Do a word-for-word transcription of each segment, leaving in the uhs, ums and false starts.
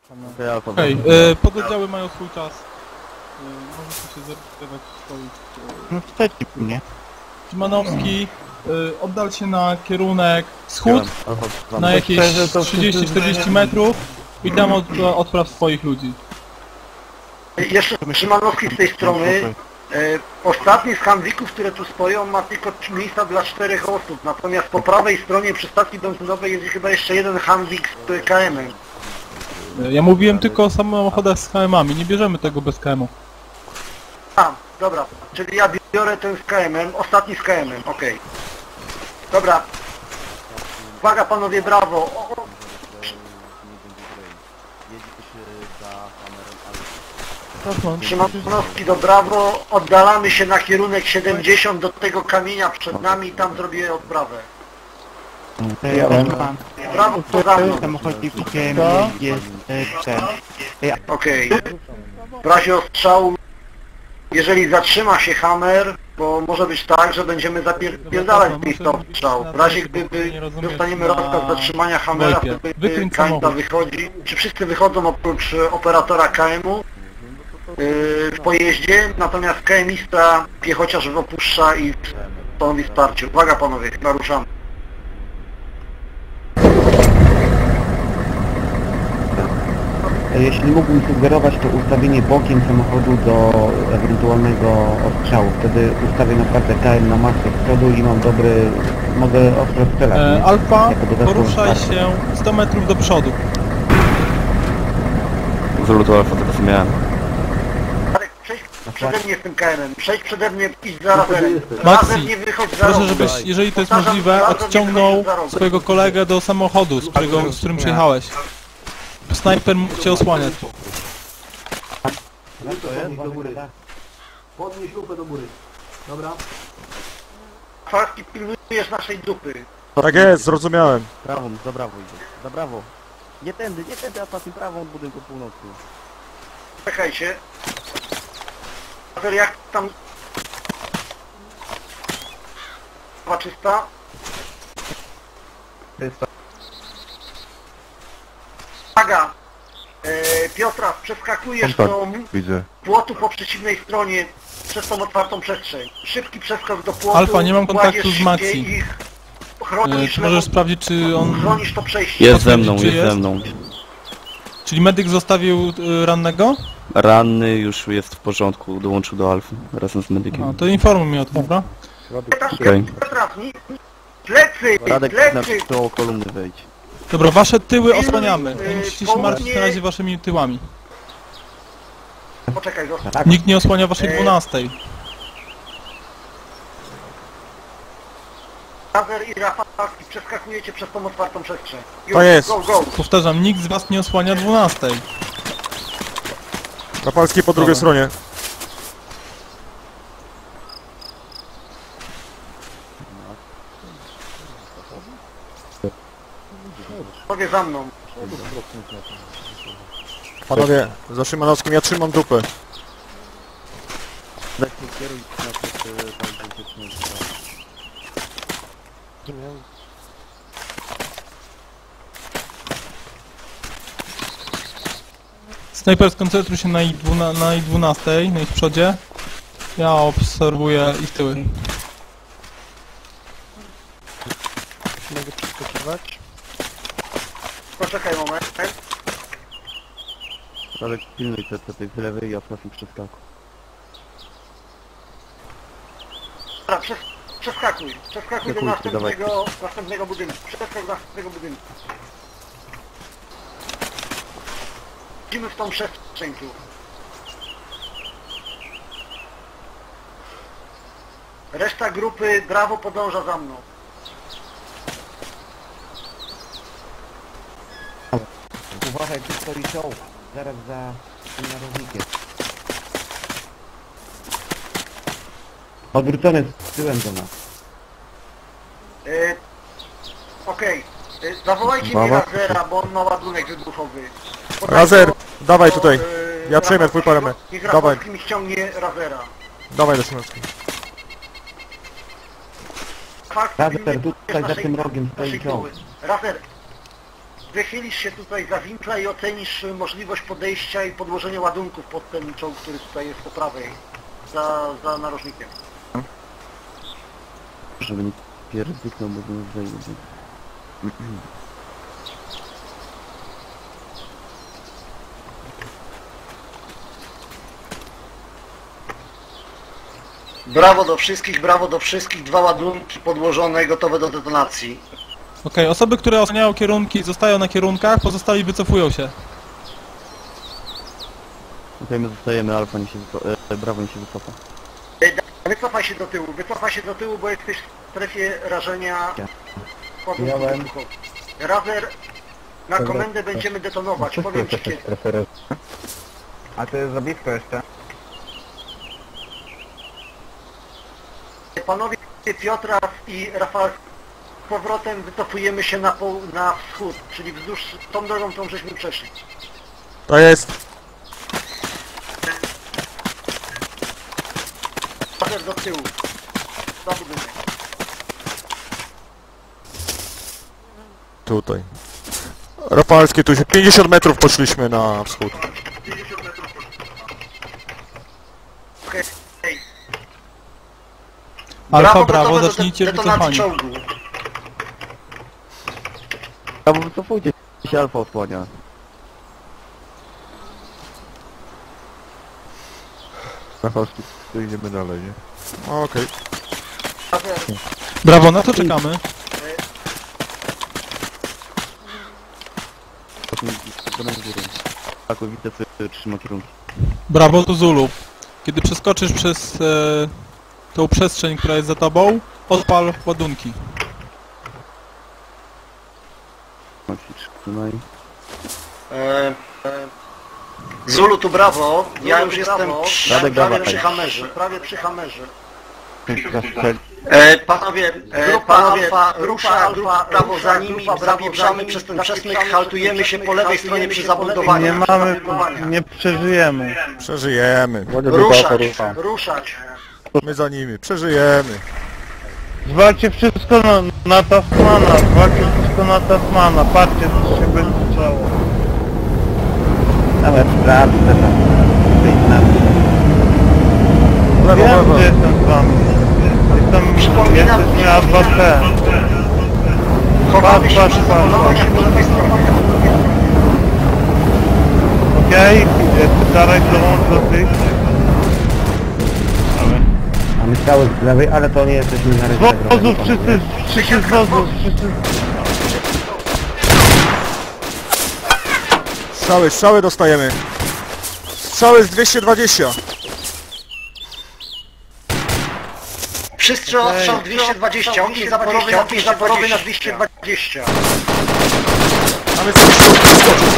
Okej, okay, pododdziały mają swój czas. Yy, możecie się zarejestrować w swoich... No wstecz nie? Szymanowski, yy, oddal się na kierunek wschód, na jakieś trzydzieści czterdzieści metrów i tam od, odpraw swoich ludzi. Jeszcze Szymanowski z tej strony. E, ostatni z Hanwików, które tu stoją, ma tylko miejsca dla czterech osób, natomiast po prawej stronie przy stacji benzynowej jest chyba jeszcze jeden Hanwik z K M-em. Ja mówiłem tylko o samochodach z K M-ami, nie bierzemy tego bez K M-u. A, dobra, czyli ja biorę ten z K M-em, ostatni z K M-em, okej. Okay. Dobra. Uwaga panowie, brawo. O, o. Szymanowski do brawo, oddalamy się na kierunek siedemdziesiąt do tego kamienia przed nami i tam zrobię odprawę. Brawo, to za mną. Jest ten. Okej. W razie ostrzału, jeżeli zatrzyma się Hammer, bo może być tak, że będziemy zapierdalać z miejsca ostrzału. W razie gdyby dostaniemy rozkaz zatrzymania Hammera, wtedy Kańca wychodzi. Czy wszyscy wychodzą oprócz operatora K M-u? W pojeździe, natomiast K M ista piechociarz opuszcza i stanowi wsparcie. Uwaga panowie, naruszamy. Jeśli mógłbym sugerować, to ustawienie bokiem samochodu do ewentualnego ostrzału. Wtedy ustawię naprawdę K M na masę z przodu i mam dobry... mogę ostro strzelać. E, Alfa, poruszaj się sto metrów do przodu. Z lutu Alfa tego co miałem. Przejdź przede mnie z tym K M-em, przejdź przede mnie, idź za razem. Razem nie wychodź za proszę, żebyś, jeżeli to jest możliwe, odciągnął swojego kolegę do samochodu, z, którego, z którym przyjechałeś. Snajper cię osłania. Podnieś lupę do góry. Dobra. Faski, pilnujesz naszej dupy. Tak jest, zrozumiałem. Prawą, za brawo idzie. Za brawo. Nie tędy, nie tędy, a patrzę prawą od budynku północnym. Czekajcie. Jak tam... czysta? Uwaga! E, Piotra, przeskakujesz do płotu po przeciwnej stronie przez tą otwartą przestrzeń. Szybki przeskok do płotu. Alfa, nie mam kontaktu z Maxi. E, czy możesz sprawdzić, czy on... Chronisz to przejście. Jest ze mną, jest, jest ze mną. Czyli medyk zostawił y, rannego? Ranny już jest w porządku, dołączył do Alfy razem z medykiem. A, to informuj mnie o tym, dobra? Okej. Plecy! Radek, Plecy! do kolumny wejdź. Dobra, wasze tyły osłaniamy. Nie musicie się martwić na razie waszymi tyłami. Poczekaj, zostaw. Nikt nie osłania waszej dwunastej. Lazer i Rafalski, przeskakujecie przez tą otwartą przestrzeń. To jest. Go, go. Powtarzam, nikt z was nie osłania dwunastej. Rapalski po drugiej stronie. Panowie za mną. Panowie, za Szymanowskim ja trzymam dupę. Snajper, skoncentruj się na ich, dwuna, na ich dwunastej, na ich przodzie. Ja obserwuję ich tyły. Mogę przeskakiwać? Poczekaj moment. Radek, pilnuj te, te, tej lewej i osłaniaj przeskaku. Dobra, przes przeskakuj. Przeskakuj do następnego, następnego budynku. Przeskak do następnego budynku. Idziemy w tą przestrzeń tu. Reszta grupy brawo podąża za mną. Uważaj, tu stoi czołg. Zaraz za tym narożnikiem. Odwrócony z tyłem do nas. Yy, Okej. Okay. Yy, zawołajcie mi Razera, bo on ma ładunek wybuchowy. Podaj Razer, to, dawaj to, tutaj. Yy, Ja przejmę twój parametr. Niech Dawaj. Rafalski mi ściągnie Razera. Dawaj do Szymanowskiego. Razer, tutaj za tym rogiem stoi czołg. Razer. wychylisz się tutaj za winkla i ocenisz możliwość podejścia i podłożenia ładunków pod ten czołg, który tutaj jest po prawej, za, za narożnikiem. Żeby nie pierdyknął, bo bym zajdzie. Brawo do wszystkich, brawo do wszystkich, dwa ładunki podłożone, gotowe do detonacji. Okej, osoby, które osłaniają kierunki, zostają na kierunkach, pozostali wycofują się. Okej, my zostajemy, alfa nie się wycofa, e, brawo nie się wycofa. Wycofaj się do tyłu, wycofaj się do tyłu, bo jesteś w strefie rażenia ładunków Miałem. wybuchowych. Razer, na komendę będziemy detonować, powiem ci kiedy. A to jest za blisko jeszcze? Panowie Piotra i Rafał, z powrotem wycofujemy się na, poł na wschód, czyli wzdłuż tą drogą, którą żeśmy przeszli. To jest. Razer do tyłu. Za budynek. Tutaj. Rafalskie, tu się pięćdziesiąt metrów poszliśmy na wschód. Okej. Alfa, brawo, gotowe do zacznijcie detonacji wycofanie. czołgu. Brawo, wycofujcie się, alfa osłania. Rafalski, tu idziemy dalej, nie? Okej. Razer, Brawo, na co czekamy? Potem z górą. Tak, widzę, co trzyma kierunki. Brawo do Zulu. Kiedy przeskoczysz przez e, tą przestrzeń, która jest za tobą, odpal ładunki. Trzymaj. e, e, Zulu tu brawo, ja już jestem przy, Radek, prawie dawaj. przy hamerze, prawie przy hamerze. Zastrzeli. E, panowie, e, grupa panowie, alfa, rusza, grupa, prawo za nimi, zapieprzamy przez ten przesmyk, haltujemy się po lewej stronie przy zabudowaniu. Nie mamy, nie przeżyjemy. Przeżyjemy. Ruszać, ruszać. My za nimi. Przeżyjemy. Zwalcie wszystko na, na Tasmana, zwalcie wszystko na Tasmana, patrzcie co się będzie działo. Nawet sprawdzę tam, wyjdź na mnie. Lewo, Wiem, lewo. gdzie jestem z wami. Jestem, Przypominam, jesteśmy A dwa T. Chowamy się Patrz, przy patrz, zabudowaniu patrz. po lewej stronie. Okej, okay. Darek dołącz do tych. Mamy strzały z lewej, ale to nie jesteśmy na Z wozów, wszyscy, wszyscy z wozów, wszyscy. Strzały, strzały dostajemy. Strzały z dwieście dwadzieścia. Wszyscy odstrzał dwieście dwadzieścia, ogień zaporowy na dwieście zaporowy na dwieście dwadzieścia. Mamy sobie skoczyć.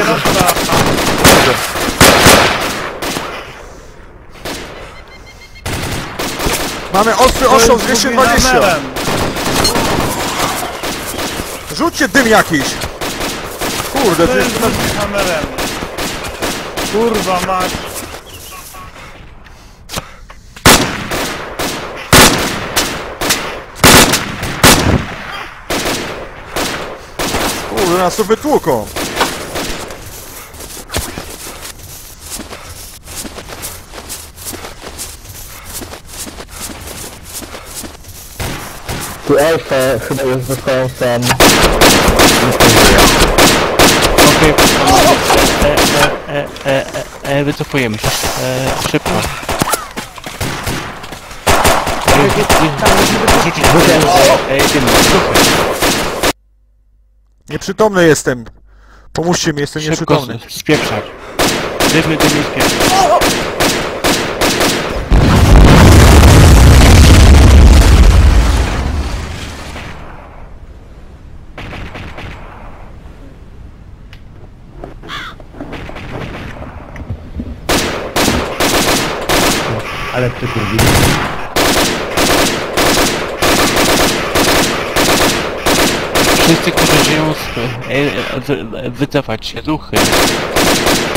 Mamy ostry ostrzał z dwieście dwadzieścia. Rzućcie dym jakiś. Kurde, To ty... jest nad kamerem. Kurwa mać. Kurde, nas tu wytłuką. Tu Alfa chyba już został sam. Okej, e, e, e, e, e, wycofujemy się. E, szybko. Rzucić e, jedyny, duchy. Nieprzytomny jestem. Pomóżcie mi, jestem Szybko nieprzytomny. spieprzać. Dymy, dymy, spieprzać. Ale przykurwi. Wszyscy, którzy żyją, z, e, e, wy- wycofać się, duchy.